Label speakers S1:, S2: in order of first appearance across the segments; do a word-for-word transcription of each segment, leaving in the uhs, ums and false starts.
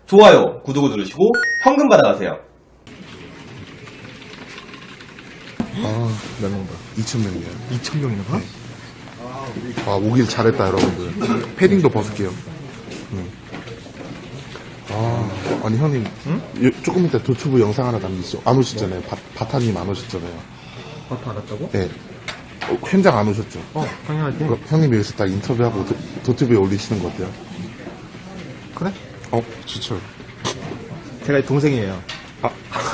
S1: 좋아요, 구독을 누르시고 현금 받아가세요.
S2: 아, 몇 명 봐? 이천 명이에요.
S3: 이천 명이나 봐?
S2: 네. 아, 오길 잘했다, 여러분들. 패딩도 벗을게요. 응. 아, 아니, 형님. 응? 요, 조금 이따 도튜브 영상 하나 남기시죠. 안 오셨잖아요. 바, 바타님 안 오셨잖아요.
S3: 바타 안 왔다고?
S2: 네. 어, 현장 안 오셨죠?
S3: 어, 당연하지.
S2: 그, 형님 여기서 딱 인터뷰하고 도, 도튜브에 올리시는 거 어때요?
S3: 그래?
S2: 어, 좋죠.
S3: 제가 동생이에요.
S2: 아.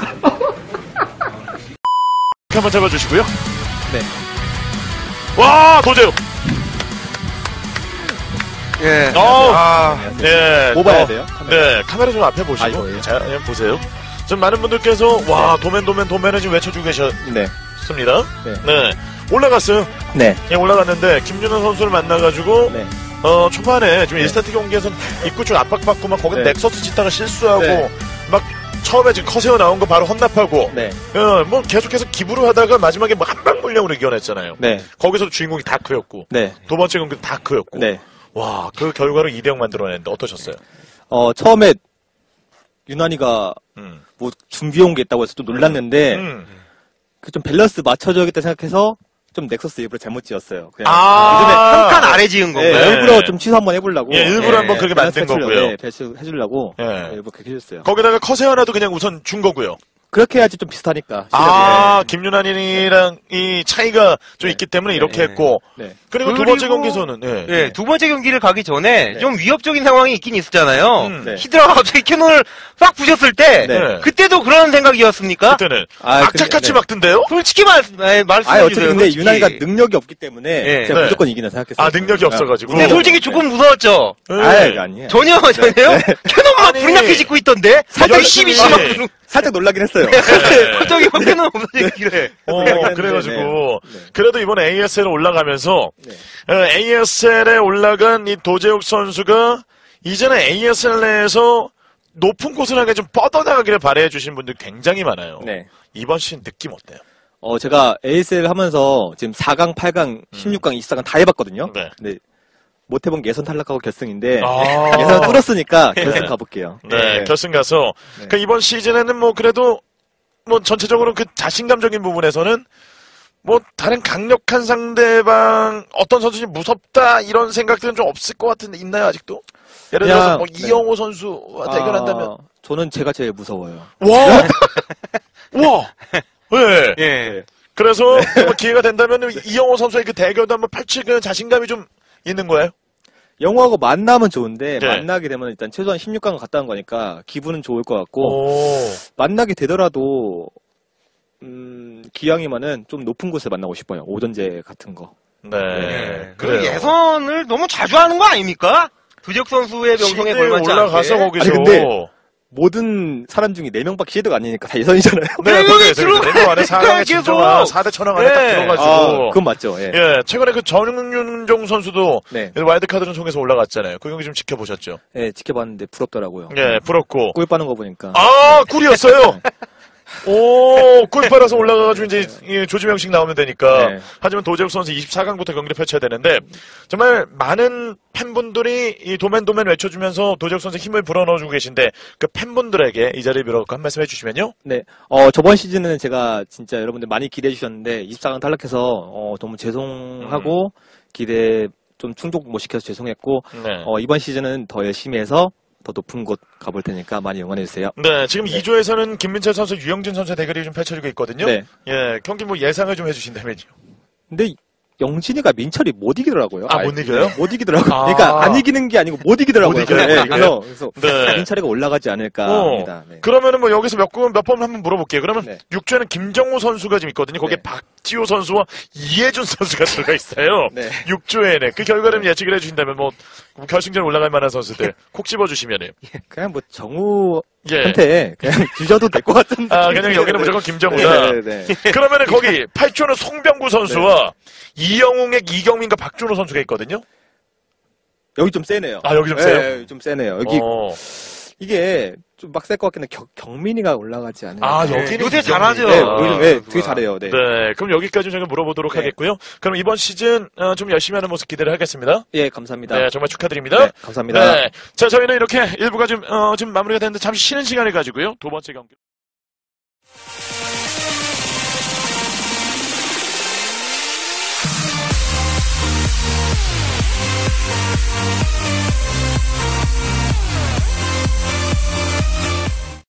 S4: 한번 잡아주시고요.
S3: 네.
S4: 와, 도재욱.
S5: 예.
S4: 어,
S5: 아,
S4: 네.
S3: 뭐 봐야
S4: 어,
S3: 돼요?
S4: 네, 카메라 좀 앞에
S3: 아,
S4: 보시고.
S3: 이거예요?
S4: 자, 예, 보세요. 지금 많은 분들께서, 와, 도맨, 도맨, 도맨을 지금 외쳐주고 계셨습니다.
S3: 네.
S4: 네. 올라갔어요.
S3: 네.
S4: 예, 올라갔는데, 김준호 선수를 만나가지고,
S3: 네.
S4: 어, 초반에 좀 일 스타트 경기에서는 입구 쪽 압박받고 막 거기
S3: 네.
S4: 넥서스 짓다가 실수하고,
S3: 네.
S4: 막 처음에 지금 커세어 나온 거 바로 헌납하고,
S3: 네.
S4: 어, 뭐 계속해서 기부를 하다가 마지막에 뭐 한방 물량으로 이겨냈잖아요.
S3: 네.
S4: 거기서도 주인공이 다크였고,
S3: 네.
S4: 두 번째 경기도 다크였고,
S3: 네.
S4: 와, 그 결과로 이 대 영 만들어냈는데 어떠셨어요?
S3: 어, 처음에 유난히가
S4: 음.
S3: 뭐 준비해온 게 있다고 해서 좀 놀랐는데,
S4: 음.
S3: 그 좀 밸런스 맞춰줘야겠다 생각해서 좀 넥서스 일부러 잘못 지었어요. 그냥
S4: 아,
S5: 요즘에 한 칸 아래 지은
S3: 네,
S5: 건가요?
S3: 일부러 좀 취소 한번 해보려고.
S4: 예, 일부러
S5: 네.
S4: 한번 그렇게 만든
S3: 밸런스
S4: 거고요.
S3: 네, 밸런스 해주려고.
S4: 예.
S3: 네, 일부러 그렇게 해줬어요.
S4: 거기다가 커세어 하나도 그냥 우선 준 거고요.
S3: 그렇게 해야지 좀 비슷하니까.
S4: 아, 김윤환이랑 이 차이가 좀 있기 때문에 이렇게
S5: 네.
S4: 했고,
S3: 네.
S4: 그리고 두
S5: 그리고-
S4: 번째 경기에서는, 예.
S5: 예, 두 번째 경기를 가기 전에
S3: 네.
S5: 좀 위협적인 상황이 있긴 있었잖아요.
S4: 음.
S3: 네.
S5: 히드라가 갑자기 캐논을 싹 부셨을 때,
S3: 네.
S5: 그때도 그런 생각이었습니까?
S4: 그때는
S3: 아,
S4: 악착같이
S3: 근데- 네.
S4: 막던데요?
S5: 솔직히 말, 네, 말씀해
S3: 아니, 어차피
S5: 주세요.
S3: 근데
S5: 솔직히.
S3: 유난히가 능력이 없기 때문에
S5: 네.
S3: 제가
S4: 네.
S3: 무조건 이기나 생각했어요.
S4: 아, 능력이 없어가지고.
S5: 근데 솔직히 조금 무서웠죠?
S4: 예.
S3: 아, 이거 아니에요.
S5: 전혀, 전혀요? 캐논만
S4: 아니,
S5: 불량해 짓고 있던데?
S4: 살짝
S5: 열심히
S4: 열심히-
S5: 심어.
S3: 살짝 놀라긴 했어요.
S5: 갑자기 캐논 없어지기래.
S4: 어,
S3: 생각했는데,
S4: 그래가지고,
S3: 네. 네.
S4: 그래도 이번에 에이에스엘에 올라가면서,
S3: 네.
S4: 에이에스엘에 올라간 이 도재욱 선수가, 이제는 에이에스엘 내에서 높은 곳을 하게 좀 뻗어나가기를 바라해 주신 분들 굉장히 많아요.
S3: 네.
S4: 이번 시즌 느낌 어때요?
S3: 어, 제가 에이에스엘 하면서 지금 사 강, 팔 강, 십육 강, 이십사 강 다 해봤거든요.
S4: 네.
S3: 근데 못 해본 게 예선 탈락하고 결승인데,
S4: 아.
S3: 예선 뚫었으니까 결승 가볼게요.
S4: 네, 결승 가서,
S3: 네.
S4: 그 이번 시즌에는 뭐 그래도, 뭐 전체적으로 그 자신감적인 부분에서는, 뭐 다른 강력한 상대방, 어떤 선수지 무섭다, 이런 생각들은 좀 없을 것 같은데, 있나요, 아직도? 예를
S3: 그냥,
S4: 들어서 뭐
S3: 네.
S4: 이영호 선수와 대결한다면,
S3: 아, 저는 제가 제일 무서워요.
S4: 와! 와! 네.
S5: 예.
S4: 그래서 뭐 기회가 된다면 이영호 선수의 그 대결도 한번 펼칠 그 자신감이 좀 있는 거예요?
S3: 영호하고 만나면 좋은데,
S4: 네.
S3: 만나게 되면 일단 최소한 십육 강 갔다 온 거니까 기분은 좋을 것 같고,
S4: 오.
S3: 만나게 되더라도, 음, 기왕이면은 좀 높은 곳에 만나고 싶어요. 오전제 같은 거.
S4: 네.
S5: 예.
S4: 그래요.
S5: 그 예선을 너무 자주 하는 거 아닙니까? 두적 선수의 명성에
S4: 시대에
S5: 걸맞지
S4: 올라가서
S5: 않게.
S4: 거기서.
S3: 아니, 근데 모든 사람 중에 네 명밖에 시드가 아니니까 다 예선이잖아요.
S4: 네,
S5: 네,
S4: 거기에
S5: 들어가
S4: 내년 안에 사 강에
S5: 계속.
S4: 진정한 사 대 천왕 안에 딱
S5: 네.
S4: 들어가지고.
S3: 아, 그건 맞죠. 예.
S4: 예, 최근에 그 전윤종 선수도
S3: 네.
S4: 와일드카드를 통해서 올라갔잖아요. 그 경기 좀 지켜보셨죠?
S3: 예, 지켜봤는데 부럽더라고요.
S4: 예, 부럽고.
S3: 꿀 빠는 거 보니까.
S4: 아, 꿀이었어요! 오, 꿀 빨아서 올라가가지고 이제 이 조지명식 나오면 되니까.
S3: 네.
S4: 하지만 도재욱 선수 이십사 강부터 경기를 펼쳐야 되는데, 정말 많은 팬분들이 이 도맨 도맨 외쳐주면서 도재욱 선수 힘을 불어넣어주고 계신데, 그 팬분들에게 이 자리에 빌어갖고 한 말씀 해주시면요?
S3: 네. 어, 저번 시즌은 제가 진짜 여러분들 많이 기대해 주셨는데, 이십사 강 탈락해서, 어, 너무 죄송하고, 기대 좀 충족 못 시켜서 죄송했고,
S4: 네.
S3: 어, 이번 시즌은 더 열심히 해서, 더 높은 곳 가볼 테니까 많이 응원해주세요.
S4: 네, 지금 이 조에서는 김민철 선수, 유영진 선수의 대결이 좀 펼쳐지고 있거든요.
S3: 네.
S4: 예, 경기 뭐 예상을 좀 해주신다면요.
S3: 근데, 영진이가 민철이 못 이기더라고요.
S4: 아, 못 이겨요?
S3: 네, 못 이기더라고요.
S4: 아.
S3: 그러니까 안 이기는 게 아니고 못 이기더라고요.
S4: 못 이겨요,
S3: 네,
S4: 못 이겨요?
S3: 그래서, 그래서
S4: 네.
S3: 민철이가 올라가지 않을까
S4: 어,
S3: 합니다. 네.
S4: 그러면은 뭐 여기서 몇, 번- 몇 번 한번 물어볼게요. 그러면
S3: 네.
S4: 육 조에는 김정우 선수가 지금 있거든요. 거기에
S3: 네.
S4: 박지호 선수와 이해준 선수가 들어가 있어요.
S3: 네.
S4: 육 조에는. 그 결과를 예측을 해주신다면 뭐 결승전 올라갈 만한 선수들 콕 집어주시면은.
S3: 그냥 뭐 정우
S4: 예.
S3: 한테 그냥 주셔도 될 것 같은데.
S4: 아, 그냥 여기는 무조건 김정우다.
S3: 네, 네, 네.
S4: 그러면은 거기 팔 조는 송병구 선수와 이영웅의 이경민과 박준호 선수가 있거든요.
S3: 여기 좀 세네요.
S4: 아, 여기 좀 세요?
S3: 네, 좀 세네요. 여기
S4: 어.
S3: 이게 좀 빡셀 것 같긴 한데 경민이가 올라가지 않아요.
S4: 아,
S5: 네,
S4: 여기는
S5: 요새
S4: 김경민.
S5: 잘하죠.
S3: 네,
S4: 아,
S3: 요즘, 네, 되게 잘해요. 네.
S4: 네, 그럼 여기까지 저희가 물어보도록
S3: 네.
S4: 하겠고요. 그럼 이번 시즌 어, 좀 열심히 하는 모습 기대를 하겠습니다.
S3: 예, 감사합니다.
S4: 네, 정말 축하드립니다.
S3: 네, 감사합니다.
S4: 네, 자 저희는 이렇게 일부가 좀 어, 지금 마무리가 됐는데 잠시 쉬는 시간을 가지고요. 두 번째 경기.